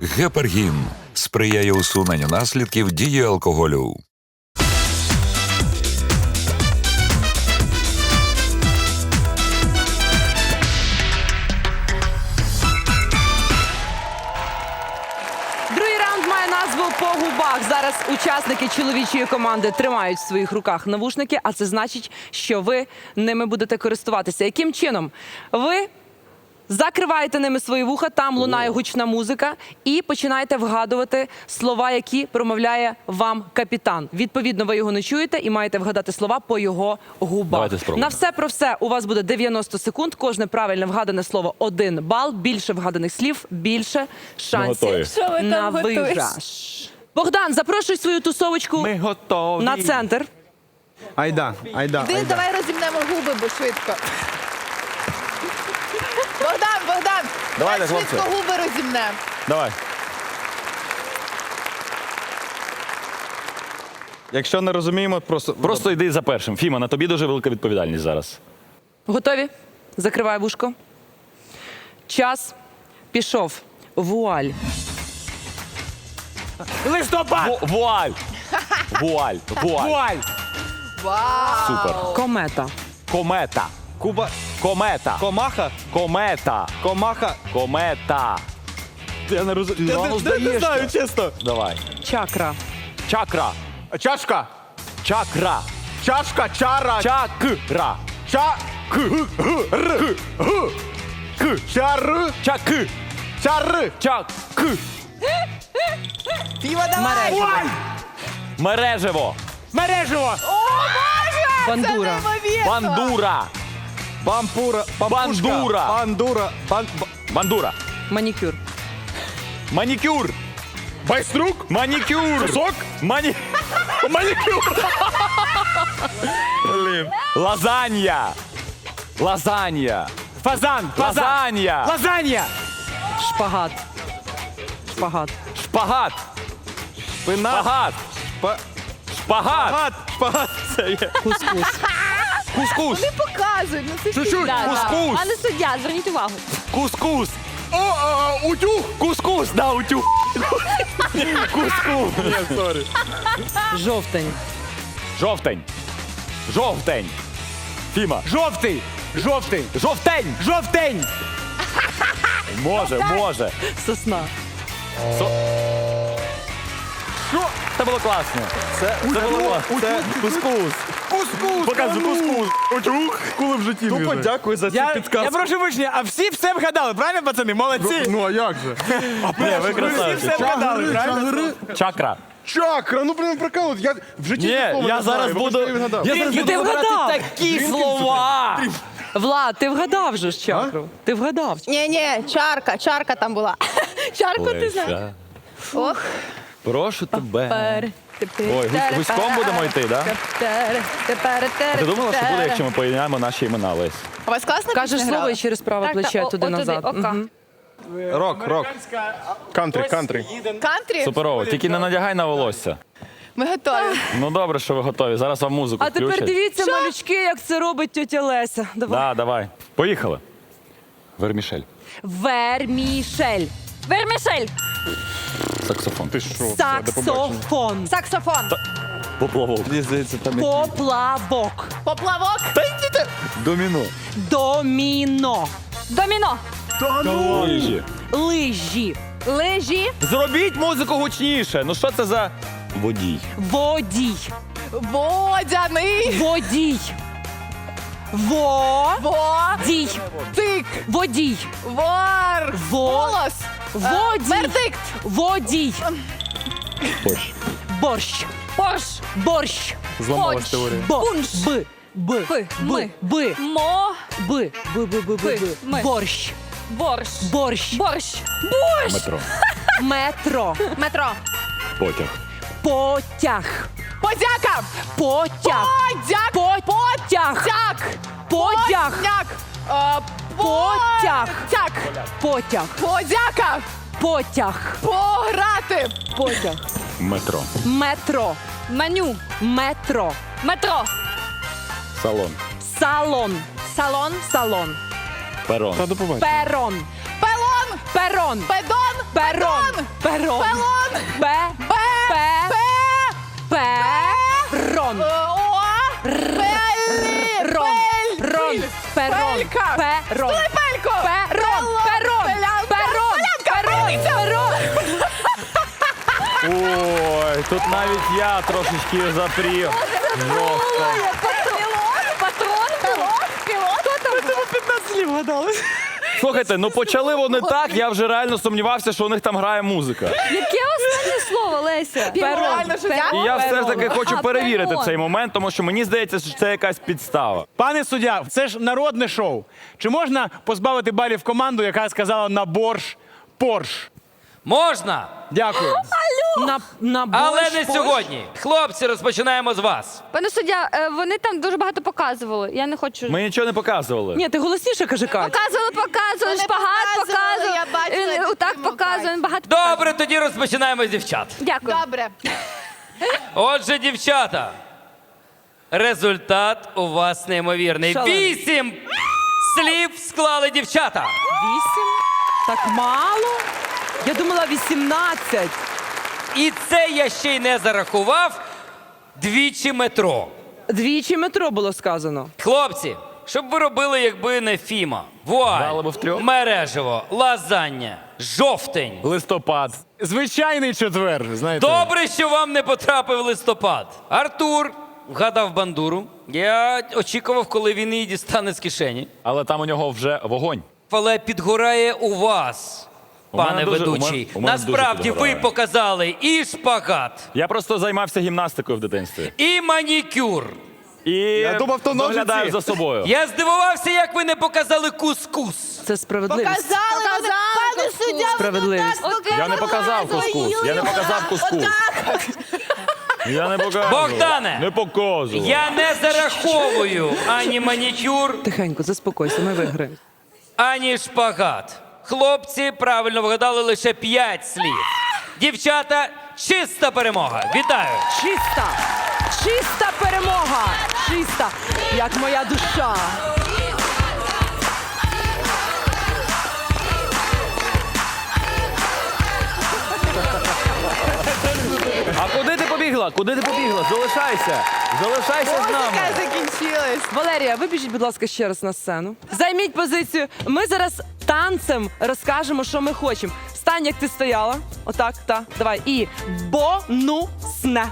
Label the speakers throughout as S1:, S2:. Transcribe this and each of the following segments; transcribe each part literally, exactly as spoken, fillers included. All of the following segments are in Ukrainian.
S1: Гепаргін сприяє усуненню наслідків дії алкоголю.
S2: Другий раунд має назву «По губах». Зараз учасники чоловічої команди тримають в своїх руках навушники, а це значить, що ви ними будете користуватися. Яким чином? Ви закриваєте ними свої вуха, там лунає гучна музика, і починаєте вгадувати слова, які промовляє вам капітан. Відповідно, ви його не чуєте і маєте вгадати слова по його губах.
S3: Давайте спробуємо.
S2: На все про все у вас буде дев'яносто секунд. Кожне правильне вгадане слово – один бал. Більше вгаданих слів – більше шансів
S3: готові.
S4: Що ви
S2: на
S4: там готуєш?
S2: виграш. Богдан, запрошуй свою тусовочку
S5: Ми готові.
S2: на центр.
S5: Айда, айда,
S4: Ти
S5: айда.
S4: давай розімнемо губи, бо швидко. Богдан, Богдан,
S3: Давайте,
S4: давай
S3: хлопці.
S4: швидко губи розімнемо.
S3: Давай.
S5: Якщо не розуміємо, просто...
S3: Просто йди за першим. Фіма, на тобі дуже велика відповідальність зараз.
S2: Готові? Закривай вушко. Час пішов. Вуаль.
S5: Листопад!
S3: Ву- Вуаль! Вуаль! Вуаль!
S5: Вуаль!
S4: Вау!
S3: Супер.
S2: Комета.
S3: Комета.
S5: Куба...
S3: Комета.
S5: Комаха?
S3: Комета.
S5: Комаха?
S3: Комета.
S5: Я не розумію.
S3: Ну,
S5: Я не-
S3: здаєшся.
S5: не знаю, чесно.
S3: Давай.
S2: Чакра.
S3: Чакра.
S5: Чашка.
S3: Чакра.
S5: Чашка, чара.
S3: Чакра.
S5: Ча...
S3: К.
S5: Р.
S3: К.
S5: Чар.
S3: Чак.
S5: Чар.
S3: Чак.
S5: Фіма, давай!
S2: Мережево.
S3: Мережево.
S5: Мережево!
S2: Бандура.
S3: Бандура.
S5: Бампура. Пампушка.
S3: Бандура.
S5: Бандура. Бан... б-
S3: Бандура.
S2: Манікюр.
S3: Манікюр.
S5: Байструк?
S3: Манікюр.
S5: Сок?
S3: Мані...
S5: Манікюр. Блін.
S3: Лазанья. Лазанья.
S5: Фазан.
S3: Лазанья.
S5: Лазанья.
S2: Шпагат. Шпагат.
S3: Шпагат.
S5: Спина.
S3: Шпагат.
S5: Шпа...
S3: Шпагат.
S5: Шпагат. Шпагат. Це є.
S2: Кускус.
S3: Кускус.
S4: Не показують, ну це
S5: Чуть-чуть.
S4: Да, да.
S3: Кускус.
S4: Пане суддя, зверніть увагу.
S3: Кускус.
S5: О, а, утюг.
S3: Кускус. Да, утюг. Кускус.
S5: Ні, сорі.
S2: Жовтень.
S3: Жовтень. Жовтень. Фіма.
S5: Жовтий. Жовтий.
S3: Жовтень.
S5: Жовтень.
S3: Може, може.
S2: Сосна.
S3: Со...
S5: Що?
S3: Це було класно. Це, це було. Це кускус.
S5: Кускус.
S3: Показуй кускус. Утюг.
S5: Коли в житті Тупо дякую за цю
S6: Я,
S5: підказку.
S6: я прошу вибачення, а всі все вгадали, правильно, пацани? Молодці!
S5: Ну, а як же?
S3: Ні, ви
S6: Всі
S3: красавці.
S6: все вгадали, правильно?
S3: Чакра.
S5: Чакра, ну прям прикол. Я в житті
S3: Ні,
S5: такого
S3: я
S5: не
S3: зараз
S5: знаю.
S3: буду.
S5: Вибачте, я відгадав.
S3: Я зараз
S2: Ти
S3: буду
S2: вгадав.
S3: вибирати такі слова.
S2: Влад, ти вгадав же ж чакру. Ти вгадав.
S4: Ні, ні, чарка, чарка там була. Чарку ти знаєш.
S3: Леся,
S4: Ох.
S3: прошу тебе.
S4: Пер, тепер,
S3: Ой, гусь- гуськом будемо йти, да?
S4: Тепер, тепер,
S3: А ти думала, що буде, якщо ми поєднаємо наші імена, Лесь?
S4: У вас класно
S2: Кажеш
S4: пісня
S2: слово
S4: грала?
S2: і через праве
S4: Так,
S2: плече
S4: так, о-
S2: туди-назад.
S4: отуди, ока.
S2: Мгм.
S5: Рок, рок. Кантрі, кантрі.
S4: Кантрі?
S3: Суперово, тільки не надягай на волосся.
S4: Ми готові.
S3: Ну добре, що ви готові. Зараз вам музику
S2: А тепер
S3: включать.
S2: дивіться, малючки, як це робить тьотя Леся. Давай.
S3: Да, давай. Поїхали. Вермішель.
S2: Вермішель.
S4: Вермішель.
S3: Саксофон.
S5: Ти що?
S2: Саксофон.
S4: Саксофон.
S3: Поплавок.
S5: Мені здається, там
S2: Поплавок.
S4: Поплавок.
S3: Доміно.
S2: Доміно.
S4: Доміно.
S3: Лижі.
S2: Лижі.
S4: Лежі.
S3: Зробіть музику гучніше. Ну що це за водій?
S2: Водій.
S4: Водяний.
S2: Водій. Водій.
S4: Во. Тик.
S2: Водій.
S4: Вор.
S2: Во.
S4: Волос.
S2: Водій.
S4: Вердикт.
S2: Водій.
S3: Борщ.
S2: Борщ.
S4: Порш.
S2: Борщ.
S5: зламалась
S4: Хоч.
S5: теорія.
S2: Бо.
S4: Пунш.
S2: Б. Б.
S4: Пи.
S2: Б.
S4: Ми.
S2: Б.
S4: Мо.
S2: Б. Б. Б. Б. Б.
S4: Пи.
S2: Б.
S4: Ми.
S2: Борщ.
S4: Борщ.
S2: Борщ.
S4: Борщ.
S3: Метро.
S2: Метро.
S4: Метро.
S3: Потяг.
S2: Потяг.
S4: Подяка.
S2: Потяг.
S4: Подяк.
S2: Потяг.
S4: Тяк.
S2: Потяг.
S4: Подяк. Е,
S2: Потяг.
S4: Тяк.
S2: Потяг.
S4: Подяка.
S2: Потяг.
S4: Пограти.
S2: Потяг.
S3: Метро.
S2: Метро.
S4: Меню.
S2: Метро.
S4: Метро.
S3: Салон.
S2: Салон.
S4: Салон.
S2: Салон.
S3: Перон.
S5: Та до побачення.
S2: Перон.
S4: Пелон.
S2: Перон.
S4: Педон.
S2: Перон.
S4: Педон.
S2: Перон. Пе. Пе. Перон.
S4: О!
S2: Рон. Рон. Перон.
S4: Пелька.
S2: Перон.
S4: Пелько.
S2: Перон. Перон. Перон. Перон. Перон.
S3: Ой, тут навіть я трошечки запрів. Жорстко.
S4: Патрон. Пілот.
S3: Слухайте, ну почали вони так, я вже реально сумнівався, що у них там грає музика.
S7: Яке останнє слово, Леся?
S4: Реально, що я?
S3: І я все ж таки хочу
S7: А,
S3: перевірити
S7: перон.
S3: цей момент, тому що мені здається, що це якась підстава.
S6: Пане суддя, це ж народне шоу. Чи можна позбавити балів команду, яка сказала на борщ Порш?
S8: Можна,
S6: Дякую.
S2: На, на
S8: але
S2: борщ,
S8: не
S2: борщ.
S8: сьогодні. Хлопці, розпочинаємо з вас.
S7: Пане суддя, е, вони там дуже багато показували. Я не хочу.
S3: Ми нічого не показували.
S2: Ні, ти голосніше кажи, Кать.
S7: Показували, показували,
S4: Вони
S7: шпагат
S4: показували,
S7: показували.
S4: я бачила
S7: Він
S4: цю
S7: отак
S4: фільму,
S7: показує,
S4: Кать.
S7: він багато
S8: Добре, тоді розпочинаємо з дівчат.
S7: Дякую.
S4: Добре.
S8: Отже, дівчата, результат у вас неймовірний.
S2: Шалений.
S8: Вісім слів склали дівчата.
S2: Вісім? Так мало? Я думала вісімнадцять.
S8: І це я ще й не зарахував двічі метро.
S2: Двічі метро було сказано.
S8: Хлопці, що б ви робили, якби не Фіма?
S3: Дали
S8: Вуаль,
S3: б втрьох.
S8: мережево, лазання, жовтень.
S3: Листопад.
S6: Звичайний четвер, знаєте.
S8: Добре, що вам не потрапив листопад. Артур вгадав бандуру. Я очікував, коли він її дістане з кишені.
S3: Але там у нього вже вогонь.
S8: Але підгорає у вас,
S3: У мене
S8: пане
S3: дуже-
S8: ведучий.
S3: у мене- у мене дуже
S8: Насправді ви
S3: підгорає.
S8: показали і шпагат,
S3: Я просто займався гімнастикою в дитинстві.
S8: і манікюр.
S3: І
S5: Я думав, то ножиці.
S3: доглядаю за собою.
S8: Я здивувався, як ви не показали кускус.
S2: Це справедливість.
S4: Показали, вони, пане суддя,
S2: Справедливість.
S4: воно так
S3: Я не показав кускус. Я не показав кускус. Я не показав.
S8: Богдане!
S3: Не показував.
S8: Я не зараховую ані манікюр,
S2: Тихенько, заспокойся, ми виграємо.
S8: ані шпагат. Хлопці правильно вгадали лише п'ять слів. Дівчата, чиста перемога. Вітаю!
S2: Чиста! Чиста перемога! Чиста! Як моя душа!
S3: А куди ти побігла? Куди ти побігла? Залишайся. Залишайся з нами.
S4: закінчилась.
S2: Валерія, вибіжіть, будь ласка, ще раз на сцену. Займіть позицію. Ми зараз танцем розкажемо, що ми хочемо. Стань, як ти стояла. Отак, так. Давай. І бонусне.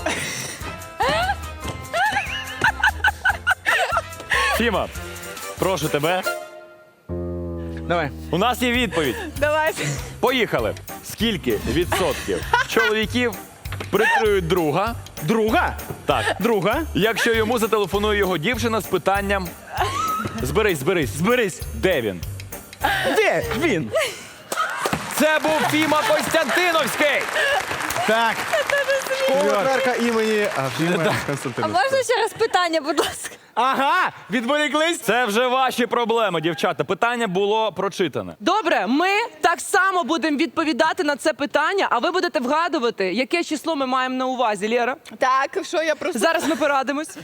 S3: Фіма, прошу тебе.
S6: Давай.
S3: У нас є відповідь.
S4: Давайте.
S3: Поїхали. Скільки відсотків чоловіків прикриють друга?
S6: Друга?
S3: Так.
S6: Друга?
S3: Якщо йому зателефонує його дівчина з питанням. Зберись, зберись.
S6: Зберись.
S3: Де він?
S6: Де він?
S3: Це був Фіма Костянтиновський.
S6: Так.
S5: Школа Клерка імені а, Фіма
S7: А
S5: Константина.
S7: можна ще раз питання, будь ласка?
S6: Ага, відволіклись.
S3: Це вже ваші проблеми, дівчата. Питання було прочитане.
S2: Добре, ми так само будемо відповідати на це питання, а ви будете вгадувати, яке число ми маємо на увазі, Лєра.
S4: Так, що я просто...
S2: Зараз ми порадимось.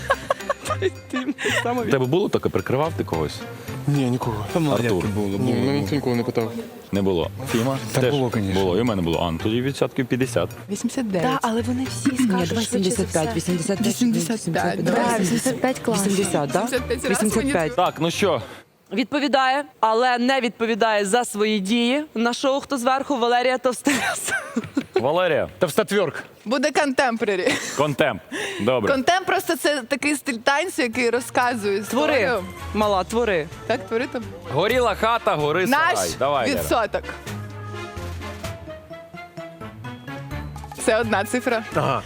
S3: У тебе було таке, прикривав ти когось?
S5: Ні, нікого.
S3: Артур.
S5: Було, було. Мене ніхто ніколи не питав.
S3: Не було. Фіма?
S6: Та
S3: Теж
S6: було, конечно.
S3: Було, і в мене було. А, ну тоді відсотків п'ятдесят.
S4: вісімдесят дев'ять. Так, але вони всі скажуть,
S2: давай сімдесят п'ять, вісімдесят п'ять,
S4: вісімдесят п'ять.
S7: Да, вісімдесят п'ять клас.
S2: вісімдесят, так?
S4: вісімдесят п'ять раз
S2: вісімдесят п'ять.
S3: Так, ну що?
S2: Відповідає, але не відповідає за свої дії. На шоу «Хто зверху» Валерія Товстелес.
S3: Валерія,
S6: Товстотверк.
S4: Буде контемпорарі.
S3: контемп. Добре.
S4: Контемп просто це такий стиль танцю, який розказує
S2: Твори,
S4: історію.
S2: мала, твори.
S4: Так, твори там.
S3: Горіла хата, гори
S4: Наш
S3: сарай. Давай, Лера.
S4: відсоток. Це одна цифра.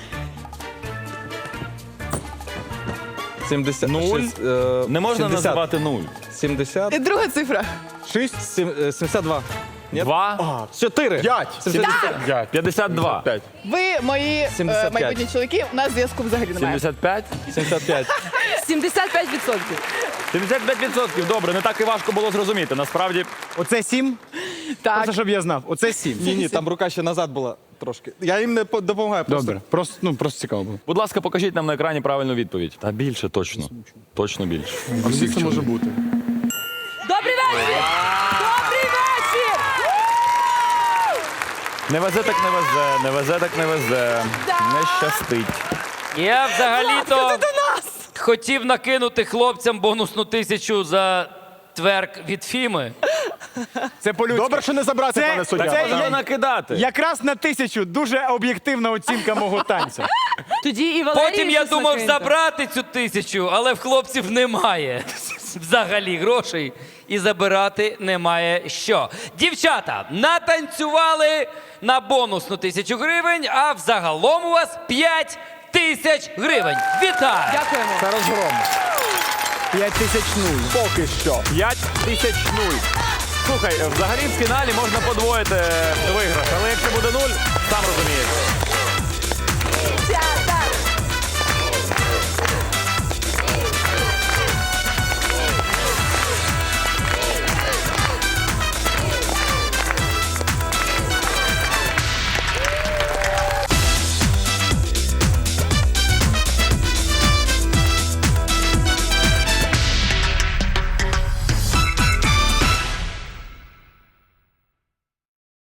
S5: сімдесят.
S3: Нуль?
S5: шість, е,
S3: Не можна
S5: сімдесят.
S3: називати нуль.
S5: сімдесят.
S4: І друга цифра.
S5: шість. сім- е, сімдесят два. Ні?
S3: Два.
S5: чотири. п'ять. сімдесят п'ять.
S3: П'ятдесят два.
S5: п'ять.
S4: Ви, мої е,
S5: сімдесят п'ять.
S4: майбутні чоловіки, у нас зв'язку взагалі немає.
S3: Сімдесят п'ять.
S5: сімдесят п'ять.
S2: сімдесят п'ять відсотків.
S3: Сімдесят п'ять відсотків. Добре, не так і важко було зрозуміти. Насправді,
S6: Оце сім?
S4: Так.
S6: Просто щоб я знав. Оце сім.
S5: Ні, ні, там рука ще назад була трошки. Я їм не по- допомагаю просто.
S6: Добре. Просто, ну, просто цікаво було.
S3: будь ласка, покажіть нам на екрані правильну відповідь. Та більше точно. Точно більше.
S5: А скільки це може бути?
S2: Добрий вечір! Добрий вечір!
S3: Не везе так не везе, не везе так не везе. Не щастить.
S8: Я взагалі-то хотів накинути хлопцям бонусну тисячу за тверк від Фіми.
S6: Це по-людськи.
S5: Добре, що не забрати,
S6: Це-
S5: пане суддя.
S6: це
S3: Це
S6: я-
S3: я накидати.
S6: Якраз на тисячу дуже об'єктивна оцінка мого танцю.
S2: Тоді і Валерій
S8: Потім я
S2: щось
S8: думав
S2: накиньте.
S8: забрати цю тисячу, але в хлопців немає взагалі грошей і забирати немає що. Дівчата, натанцювали на бонусну тисячу гривень, а взагалом у вас п'ять тисяч гривень. Вітаю!
S2: Дякуємо.
S5: Це розгром.
S6: П'ять тисяч нуль.
S5: Поки що.
S3: п'ять тисяч нуль. Слухай, взагалі в фіналі можна подвоїти виграш, але якщо буде нуль, сам розумієш.